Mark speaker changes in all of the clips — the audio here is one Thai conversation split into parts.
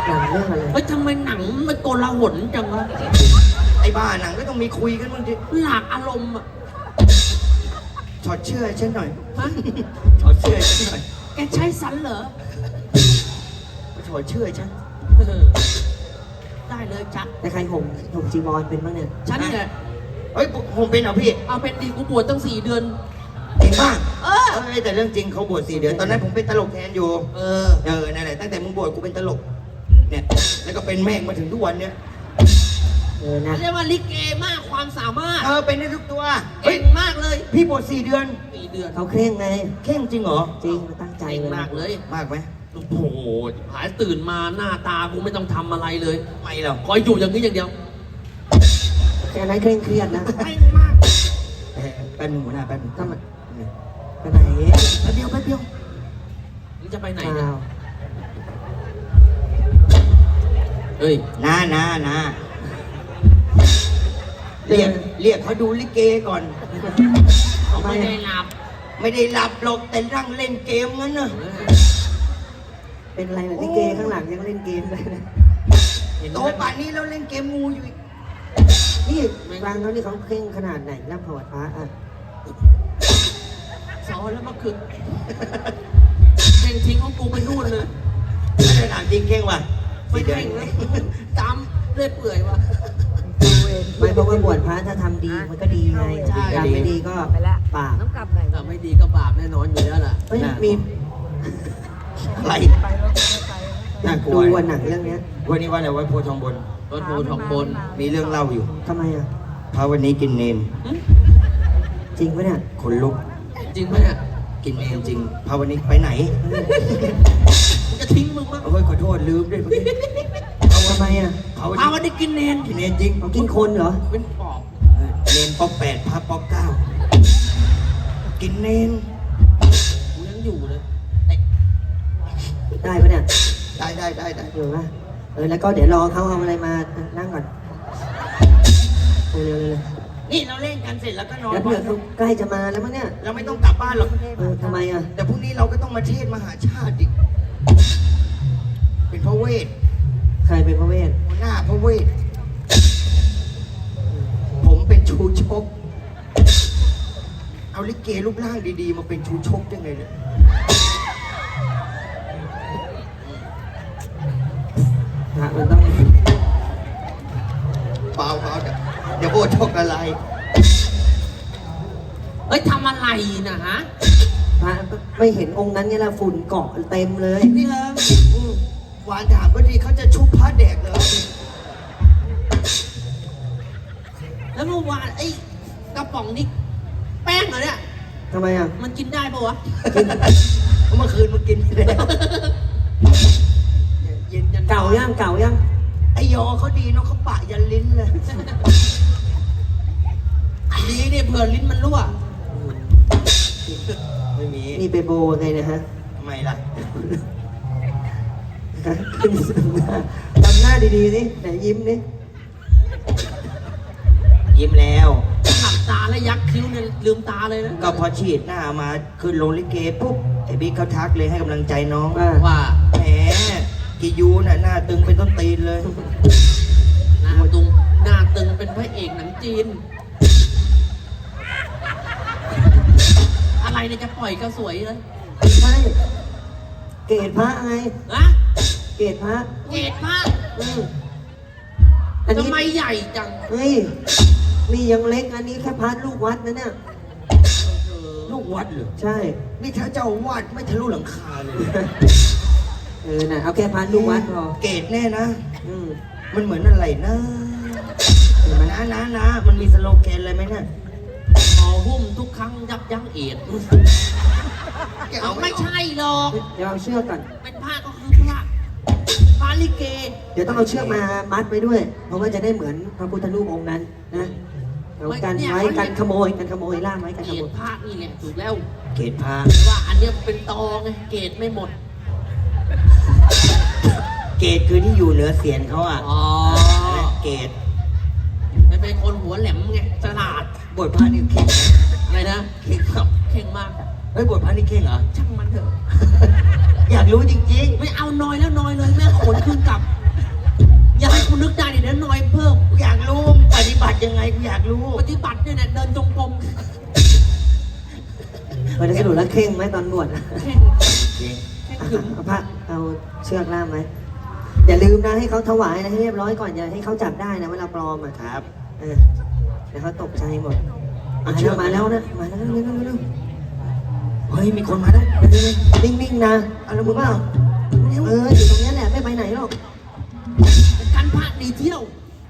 Speaker 1: หนังเรื่องอะไร
Speaker 2: เฮ้ยทำไมหนังมันโกลาหลจังวะ
Speaker 3: ไอ้บ้าหนังก็ต้องมีคุยกันบ้างดิ
Speaker 2: หลากอารมณ์อ่ะ
Speaker 3: ถอดเชื่อให้ฉันหน่อย
Speaker 2: ฮะ
Speaker 3: ถอดเชื่อให้ฉันหน่อย
Speaker 2: แกใช้สันเหรอ
Speaker 3: ถอดเชื่อให้ฉัน
Speaker 2: ได้เลยจัก
Speaker 1: แต่ใครห่มจีวรเป็นบ้างเนี่ย
Speaker 2: ฉันเนี่ย
Speaker 3: เฮ้ยผมเป็นเหรอพี่
Speaker 2: เอาเป็นดีกูบวชตั้ง4 เดือน
Speaker 3: จริงป่ะ
Speaker 2: เออ
Speaker 3: เอ้ยแต่เรื่องจริงเขาบวช4 เดือนตอนนั้นผมเป็นตลกแทนอยู่
Speaker 2: เออ
Speaker 3: นั่นแหละตั้งแต่มึงบวชกูเป็นตลกเนี่ยแล้วก็เป็นแม่งมาถึงทุกวันเนี่ย
Speaker 1: นะ
Speaker 2: เรียกว่าลิเกมากความสามารถ
Speaker 3: เป็นได้ทุกตัว
Speaker 2: เก่งมากเลย
Speaker 3: พี่บวช4 เดือน
Speaker 2: 4 เดือน
Speaker 1: เขาเคร่งไง
Speaker 3: เข่งจริงเหรอ
Speaker 1: จริงตั้งใจ
Speaker 2: เก่ง
Speaker 1: เลย
Speaker 2: มากเลย
Speaker 3: มากไหม
Speaker 2: โอ้โหหายตื่นมาหน้าตากูไม่ต้องทำอะไรเลย
Speaker 3: ไม่หรอก
Speaker 2: คอยอยู่อย่างนี้อย่างเดียว
Speaker 1: แค่นั้นเคร่งเครียดนะ
Speaker 2: เก่งมาก
Speaker 3: แป๊บนึงหัวหน้าแป๊บนึง
Speaker 1: ทำไมไปไหน
Speaker 3: แป๊บเดียวแป๊บเดียว
Speaker 2: มึงจะไปไหน
Speaker 1: เป
Speaker 2: เนี่ย
Speaker 1: ล่า
Speaker 2: เฮ้ย
Speaker 3: นะเรียกเขาดูลิเกก่อน
Speaker 2: เขาไม่ได้หลับ
Speaker 3: ไม่ได้หลับหรอกแต่นั่งเล่นเกมงั้นน่ะ
Speaker 1: เป็นอะไรล่ะลิเกข้างหลังยังเล่นเกมเลยนะ
Speaker 3: โตป่านนี้แล้วเล่นเกมงูอยู่อีก
Speaker 1: นี่ฟังเขานี่เขาเคร่งขนาดไหนรับถวายพระอ่ะ
Speaker 2: สอนแล้วเมื่อคืนเก่งทิ้งของกูไปนู่นเลย
Speaker 3: ไม่ได้ถามจริงเก่งว่ะ
Speaker 2: ไม่เก่งเลยจำเรื่อยเปื่อยวะ
Speaker 1: ไม่เพราะว่าบวชพระถ้าทำดีมันก็ดีไง
Speaker 2: ใช่
Speaker 1: ทำไม่ดีก็บาป
Speaker 4: ต้องกลับไหน
Speaker 2: แต่ไม่ดีก็บาปแน่นอนอยู่แล้วล่ะ
Speaker 1: เฮ้ยมี
Speaker 3: อะไรน่ากลั
Speaker 1: ดู
Speaker 3: ว
Speaker 1: วันหนังเรื่องเนี้ย
Speaker 3: วันนี้ว่าอะไรวัดโพธิ์ทองบน
Speaker 2: รถโพทองบน
Speaker 3: มีเรื่องเล่าอยู่
Speaker 1: ทำไมอ่ะ
Speaker 3: พระวันนี้กินเนน
Speaker 1: จริงปะเนี่ย
Speaker 3: ขนลุก
Speaker 2: จริงไหมเนี่ย
Speaker 3: กินเนนจริงพระวันนี้ไปไหน
Speaker 2: กูจะทิ้งมึงมั้ง
Speaker 3: เฮ้ยขอโทษลืมด้วยเมื่อกี้
Speaker 1: ทำไมอ่ะ
Speaker 3: พระวัน
Speaker 2: เอา
Speaker 3: นี้
Speaker 2: วันนี้กินเนน
Speaker 3: กินเนนจริง
Speaker 1: เขากินคนเหรอ
Speaker 2: เป็นปอบ
Speaker 3: เนนป๊อก8พระป๊อก9กินเนน
Speaker 2: กูยังอยู่เลย
Speaker 1: ได้ปะเนี่ย
Speaker 3: ได้
Speaker 1: อยู่ปะแล้วก็เดี๋ยวรอเขาเอาอะไรมานั่งก่อนเร็วๆ
Speaker 3: นี่เราเล่นกันเสร็จแล้วก็นอน
Speaker 1: แล้วเผื่อเขาใกล้จะมาแล้วมั้งเนี่ย
Speaker 3: เราไม่ต้องกลับบ้านหรอก
Speaker 1: ทำไมอ่ะ
Speaker 3: แต่พรุ่งนี้เราก็ต้องมาเทศน์มหาชาติอีกเป็นพระเวท
Speaker 1: ใครเป็นพระเวท
Speaker 3: หัวหน้าพระเวท ผมเป็นชูชก เอาลิเกรูปร่างดีๆ มาเป็นชูชกได้ไงเนี่ย
Speaker 1: พระมันต้อง
Speaker 3: เปล่าเดี๋ยวโบชกอะไร
Speaker 2: เฮ้ยทำอะไรนะฮะ
Speaker 1: พระไม่เห็นองค์นั้นเนี่ยละฝุ่นเกาะเต็มเลย
Speaker 3: นี่เหรอหวานถามก็ดีเขาจะชุบพระแดกเหรอ
Speaker 2: แล้วเมื่อวานไอ้กระป๋องนี่แป้งเหรอเนี่ย
Speaker 1: ทำไมอ่ะ
Speaker 2: มันกินได้ปะวะ
Speaker 3: เมื่อคืนมึงกินไปแล้วเย็นยัน
Speaker 1: เก่ายัง
Speaker 3: ไอยอเขาดีเนาะเขาปะยันลิ้นเลย
Speaker 2: ดีเนี่ยเผื่อลิ้นมันรั่ว
Speaker 3: ไม่มี
Speaker 1: นี่ไปโบไงนะฮะ
Speaker 3: ทำไมล่ะ
Speaker 1: ทำหน้าดีๆสิไหนยิ้มนี่
Speaker 3: ยิ้มแล้ว
Speaker 2: หลับตาแล้วยักคิ้วเนี่ยลืมตาเลยนะ
Speaker 3: ก็พอฉีดหน้ามาขึ้นลงลิเกปุ๊บไอ้บิ๊กเขาทักเลยให้กำลังใจน้อง
Speaker 1: ว่า
Speaker 2: ว่า
Speaker 3: แหมกิยูน่ะหน้าตึงเป็นต้นตีนเลย
Speaker 2: หน้าตึงหน้าตึงเป็นพระเอกหนังจีน อะไรเนี่ยจะปล่อยก็สวยเลย
Speaker 1: ใช่เกรดพระไง
Speaker 2: ฮะ
Speaker 1: เกรดพระ
Speaker 2: เกตมาก
Speaker 1: อันนี้
Speaker 2: ทำไมใหญ่จัง
Speaker 1: เฮ้ยนี่ยังเล็กอันนี้แค่พระลูกวัดนะเนี่ย
Speaker 3: ลูกวัดเหรอ
Speaker 1: ใช่
Speaker 3: นี่ถ้าเจ้าวาดไม่ทะลุหลังคาเลย
Speaker 1: น่ะเอาแค่พระลูกวัดพอ
Speaker 3: เกรดแน่นะ
Speaker 1: อืม
Speaker 3: มันเหมือนอะไรนะนะมันมีสโลแกนอะไรไหมเนี่ย
Speaker 2: หอหุ้มทุกครั้งยับยั้งเอดเอาไม่ใช่หรอก
Speaker 1: เดี๋ยวเอาเชือกก่อน
Speaker 2: เป็นผ้าก็คือผ้าลิเก
Speaker 1: เดี๋ยวต้องเอาเชือกมามัดไว้ด้วย เพราะว่าจะได้เหมือนพระพุทธรูปองค์นั้นนะเอากันไว้กันขโมยล่ามไว้กัน
Speaker 2: เก
Speaker 1: ขโม
Speaker 2: ต
Speaker 1: ย
Speaker 2: ผ้านี่แหละถูกแล้ว
Speaker 3: เกรดพา
Speaker 2: แต่ว่าอันเนี้ยเป็นตอไงเกตไม่หมด
Speaker 3: เกรดคือที่อยู่เหนือเสียนเขาอ่ะ
Speaker 2: อ๋อ
Speaker 3: เกรด
Speaker 2: มันเป็นคนหัวแหลมไงฉลาด
Speaker 3: บทพระนี่เข่งนะ
Speaker 2: อะไรนะ
Speaker 3: เข่งครับ
Speaker 2: เข่งมาก
Speaker 3: เฮ้ยบทพระนี่เข่งเหรอ
Speaker 2: ช่างมันเถอะ
Speaker 3: อยากรู้จริง
Speaker 2: ไม่เอานอยแล้วนอยเลยแม่ขนคืนกลับ อย่าให้คุณนึกได้เดี๋ยวนอยเพิ่ม
Speaker 3: ๆกูอยากรู้ปฏิบัติยังไงกูอยากรู้
Speaker 2: ปฏิบัติเนี่ยเดินจงกรม
Speaker 1: วันนี้สรุปแล้วเข่งไหมตอนบวชอะ
Speaker 2: แข่ง
Speaker 3: จริง
Speaker 2: แข่งขึง
Speaker 1: เอาผ้าเอาเชือกล่ามไหมอย่าลืมนะให้เขาถวายนะให้เรียบร้อยก่อนอย่าให้เขาจับได้นะว่าเราปลอมอ่ะ
Speaker 3: ครับ
Speaker 1: เออเดี๋ยวเขาตกใจหมดมาแล้วนะมาแล้วเร็ว
Speaker 3: เฮ้ยมีคนมาแล้ว
Speaker 1: ๆนิ่งๆนะเอาละมือเปล่าอยู่ตรงนี้แหละไม่ไปไหนหรอก
Speaker 2: การพระดีเที่ยว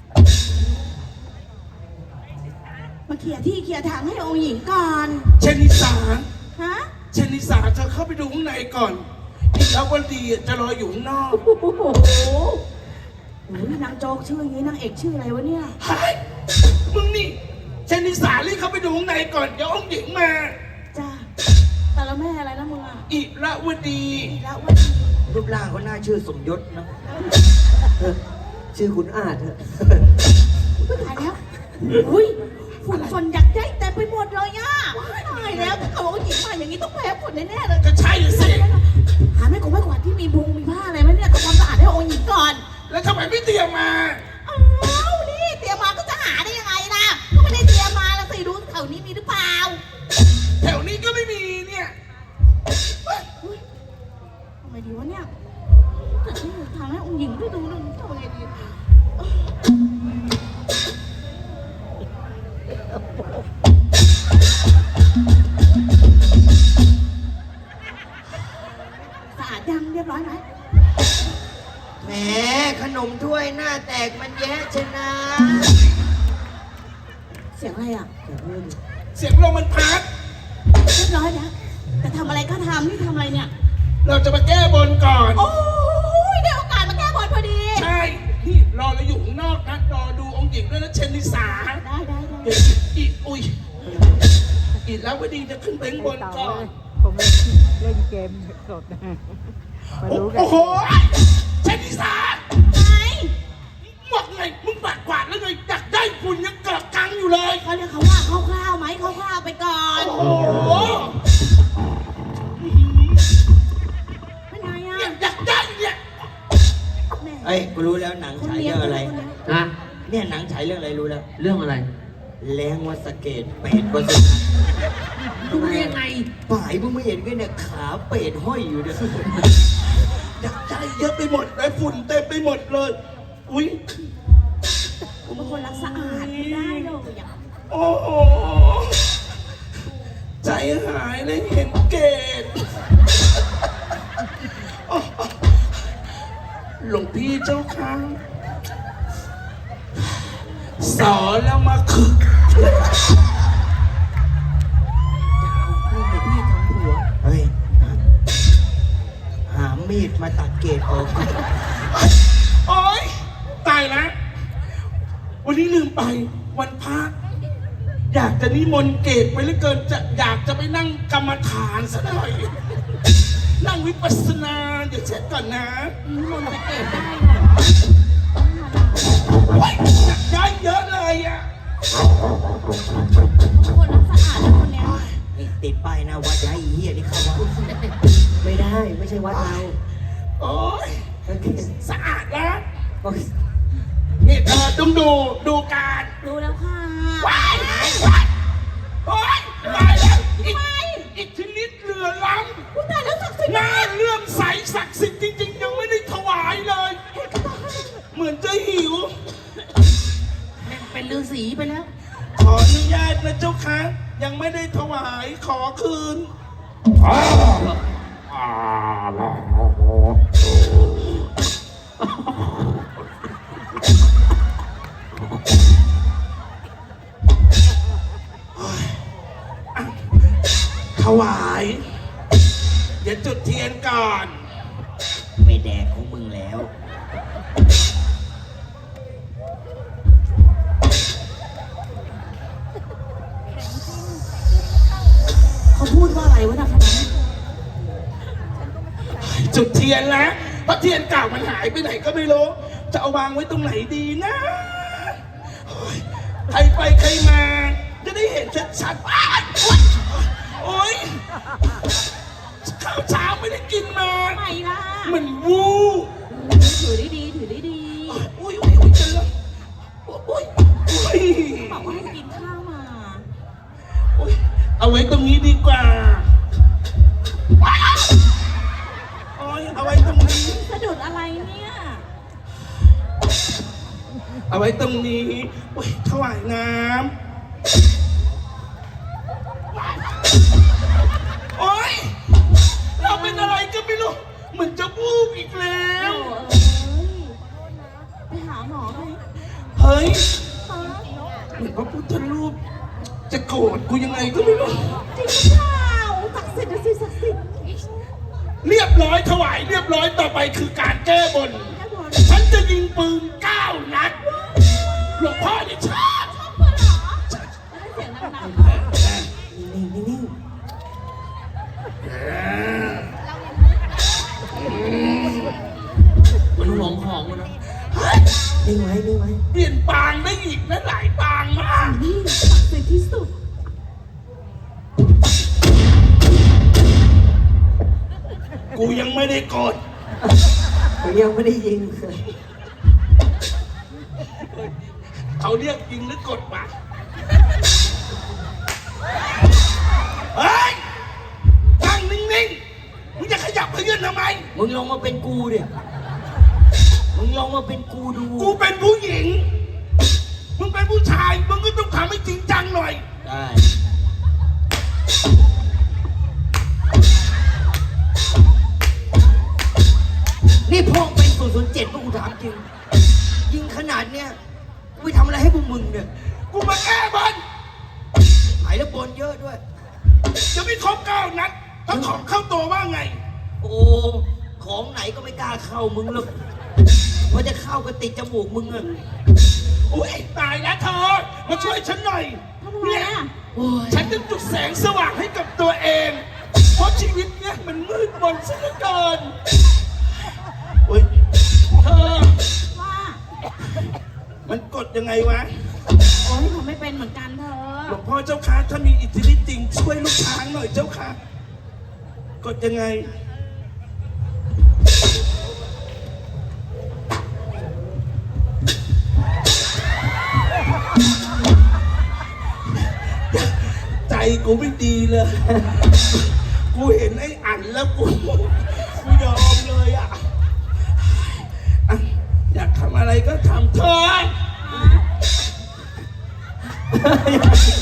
Speaker 4: มาเคลียร์ที่เคลียร์ทางให้องค์หญิงก่อน
Speaker 5: เชนิสา
Speaker 4: ฮะ
Speaker 5: เชนิสาเธอเข้าไปดูข้างในก่อนอีกแล้ววันดีจะรออยู่ข้างนอก
Speaker 4: โอ้โหโอ้ยนางโจ๊กชื่ออย่างนี้นางเอกชื่ออะไรวะเนี่ย
Speaker 5: เฮ้ยมึงนี่เชนิสารีบเข้าไปดูข้างในก่อนเดี๋ยวองค์หญิงมา
Speaker 4: จ้าแต่ละแม่อะไรนะมึงอ่ะ
Speaker 5: อิระวดี
Speaker 4: แล้ววันนี้
Speaker 3: รูปร่างเขาหน้าชื่อสมยศนะ
Speaker 1: ชื่อขุนอาจเถอะ
Speaker 4: ไม่ตายแล้วอุ้ยฝุ่นฝนอยากได้แต่ไปหมดเลยอ่ะตายแล้วถ้าเขาองค์หญิงมาอย่างนี้ต้องแพ้ฝุ่นแน่ๆเลย
Speaker 5: ก็ใช่สิ
Speaker 4: หาไม่กวาดที่มีพุงมีผ้าอะไรไหมเนี่ยทำความสะอาดให้องค์หญิงก่อน
Speaker 5: แล้วทำไมไม่เตรียมมา
Speaker 4: อ้าวนี่เตรียมมาก็จะหาได้ยังไงล่ะก็ไม่ได้เตรียมมาแล้วสิดูแถวนี้มีหรือเปล่า
Speaker 5: แถวนี้ก็ไม่มีเนี่ย
Speaker 4: อุ๊ยทำไงดีวะเนี่ยจะให้ทางให้องค์หญิงได้ดูหนึ่งทำไงดีสะอาดยังเรียบร้อยไหม
Speaker 3: แหมขนมถ้วยหน้าแตกมันแย่ชนะ
Speaker 4: เสียงอะไรอ่ะ
Speaker 5: เสียงลมมันพัด
Speaker 4: เรียบร้อยแล้วแต่ทำอะไรก็ทำนี่ทำอะไรเนี่ย
Speaker 5: เราจะมาแก้บนก่อน
Speaker 4: โอ้ยได้โอกาสมาแก้บนพอดี
Speaker 5: ใช่นี่รอเราอยู่ข้างนอกนะรอดูองค์หญิงด้วยนะเชนิสา
Speaker 4: ได้
Speaker 5: เดี๋ยวอุ้ยอิระวดีจะขึ้นไปข้างบนก่อน
Speaker 6: ผมเล่นเกมสดนะมารู้กัน
Speaker 5: โอ้โหเชนิสา
Speaker 4: ไหน
Speaker 5: หมดไงมึงปัดกวาดแล้วไงอยากได้ฝุ่นยังเกาะกังอยู่เลย
Speaker 4: เขาเรียกเขาว่าคร่าวๆไหมคร่าวๆไปก่อน
Speaker 5: โอ้โห
Speaker 4: เป็นไงอ่ะ
Speaker 5: เนี่ยอยากได้เนี่ย
Speaker 4: แม่
Speaker 3: เอ้ยกูรู้แล้วหนัง
Speaker 4: คน
Speaker 3: ฉาย
Speaker 4: เลี้ย
Speaker 3: เรื่อง งอะไร
Speaker 4: คนเลี้ยง
Speaker 2: นะ
Speaker 3: เนี่ยหนังฉายเรื่องอะไรรู้แล้ว
Speaker 2: เรื่องอะไร
Speaker 3: แรงวัดสะเกตเป็ดวัดสะ
Speaker 2: ดูได้ยังไง
Speaker 3: ป่ายมึงไม่เห็นกันเนี่ยขาเป็ดห้อยอยู่เนี่ย
Speaker 5: อยากได้เยอะไปหมดเลยฝุ่นเต็มไปหมดเลย อุ้ย
Speaker 4: ผมเป็นคนรักสะอาดไม่ได้เลยอ่ะ
Speaker 5: โอ้โหใจหายเลยเห็นเกตโอ้โหหลวงพี่เจ้าค่ะสอนแล้วมาคึก
Speaker 3: เฮ้ยหามีดมาตัดเกตออก
Speaker 5: โอ๊ยตายแล้ววันนี้ลืมไปวันพระอยากจะนิมนต์เกตไปเหลือเกินอยากจะไปนั่งกรรมฐานซะหน่อย นั่งวิปัสสนาเดี๋ยวเช็ดก่อนนะ
Speaker 4: นี่มันจะเก็บได้เหรอ
Speaker 5: โอ๊ยอยากได้เยอะเลยอ่ะ
Speaker 4: คนรักสะอาดนะคนเนี้ย
Speaker 3: นี่ติดป้ายหนะวัดย้ายอีเหี้ยนี่เข้าวัด
Speaker 1: ไม่ได้ไม่ใช่วัดเรา
Speaker 5: โอ๊ย
Speaker 1: โอเค
Speaker 5: สะอาดแล้ว
Speaker 1: โอเค
Speaker 5: นี่เธอต้องดูการ
Speaker 4: รู้แล้วค่ะ
Speaker 5: ว้ายว้ายโอ๊ยตายแล้วอีกชนิดเรือล้
Speaker 4: อุ้ยตายแล้วศักดิ์สิท
Speaker 5: ำ
Speaker 4: ธิ์
Speaker 5: หน้าเลื่อมใสศักดิ์สิทธิ์จริงๆ ยังไม่ได้ถวายเลย เหมือนจะหิว
Speaker 2: เป็นฤาษีไปแล้ว
Speaker 5: ขออนุญาตนะเจ้าค่ะ ยังไม่ได้ถวายขอคืน ถวาย เดี๋ยวจุดเทียนก่อน
Speaker 3: ไม่แดกของมึงแล้ว
Speaker 4: เขาพูดว่าอะไรวะนะคณะ
Speaker 5: จุดเทียนแล้วเพราะเทียนเก่ามันหายไปไหนก็ไม่รู้ จะเอาวางไว้ตรงไหนดีนะโอ๊ยใครไปใครมา จะได้เห็นชัดๆอ้ายโอ๊ยข้าวเช้าไม่ได้กินมา
Speaker 4: ทำไมล่ะ
Speaker 5: มันวู
Speaker 4: ถือได้ดีถือได้ดี
Speaker 5: อุ้ยเจออุ้ย
Speaker 4: บอกว่าให้กินข้าวมา
Speaker 5: อุ้ยเอาไว้ตรงนี้ดีกว่าโอ้ยเอาไว้ตรงนี้
Speaker 4: สะดุดอะไรเนี่ย
Speaker 5: เอาไว้ตรงนี้โอ้ยถวายน้ำโอ้ยเราเป็นอะไรก็ไม่รู้เหมือนจะวูบอีกแล้ว
Speaker 4: ไปหาหมอไหม
Speaker 5: เฮ้ย
Speaker 4: ฮะ
Speaker 5: เหมือนพระพุทธรูปจะโกรธกูยังไงก็ไม่รู้
Speaker 4: จริงหรือเปล่าศักดิ์สิทธิ์นะสิศักดิ์สิทธิ์
Speaker 5: เรียบร้อยถวายเรียบร้อยต่อไปคือการแก้บน
Speaker 4: แค่บอล
Speaker 5: ฉันจะยิงปืน9 นัดหลวงพ่อนี่ชอบ
Speaker 4: ชอบเพื่อนเหรอไม่ได้เสียงดังๆ
Speaker 1: นิ่ง
Speaker 2: มันห่วงของมันนะ
Speaker 1: ๆนิ่งไว้นิ่งไว้
Speaker 5: เปลี่ยนปางได้อีกนะหลายปางมาก
Speaker 4: นี่ศักดิ์สิทธิ์ที่สุด
Speaker 5: กูยังไม่ได้กด
Speaker 1: ผมยังไม่ได้ยิง
Speaker 5: เขาเรียกยิงหรือกดปะเฮ้ยนั่งนิ่งๆมึงจะขยับขยื่นทำไม
Speaker 2: มึงลองมาเป็นกูดิมึงลองมาเป็นกูดู
Speaker 5: กูเป็นผู้หญิง มึงเป็นผู้ชาย มึงก็ต้องทำให้จริงจังหน่อย
Speaker 2: ได้
Speaker 3: นี่พ่อเป็น007พวกกูถามจริง ยิงขนาดเนี้ยกูไปทำอะไรให้พวกมึงเนี่ย
Speaker 5: กูมาแก้บน
Speaker 3: หายแล้วบนเยอะด้วย
Speaker 5: จะไม่ครบ9 นัด ถ้าของเข้าตัวว่าไง
Speaker 3: โอ้ ของไหนก็ไม่กล้าเข้ามึงหรอกเพราะจะเข้าก็ติดจมูกมึงอะ
Speaker 5: โอ้ยตายแล้วเธอ มาช่วยฉันหน่อย
Speaker 4: ทำไม
Speaker 5: เนี่ย
Speaker 4: อ่ะ
Speaker 5: ฉันจะจุดแสงสว่างให้กับตัวเอง เพราะชีวิตเนี่ยมันมืดมนซะเหลือเกินโอ้ยเธอ
Speaker 4: ว่า
Speaker 5: มันกดยังไงวะ
Speaker 4: โอ้ยผมไม่เป็นเหมือนกันเธ
Speaker 5: หล
Speaker 4: อ
Speaker 5: วงพ่อเจ้าค่ะถ้ามีอิทธิฤทธิ์จริงช่วยลูกช้างหน่อยเจ้าค่ะ กดยังไง ใจกูไม่ดีเลย กูเห็นไอ้อันแล้วกูยอมเลยอ่ะอ่ะ อยากทำอะไรก็ทำเถอะ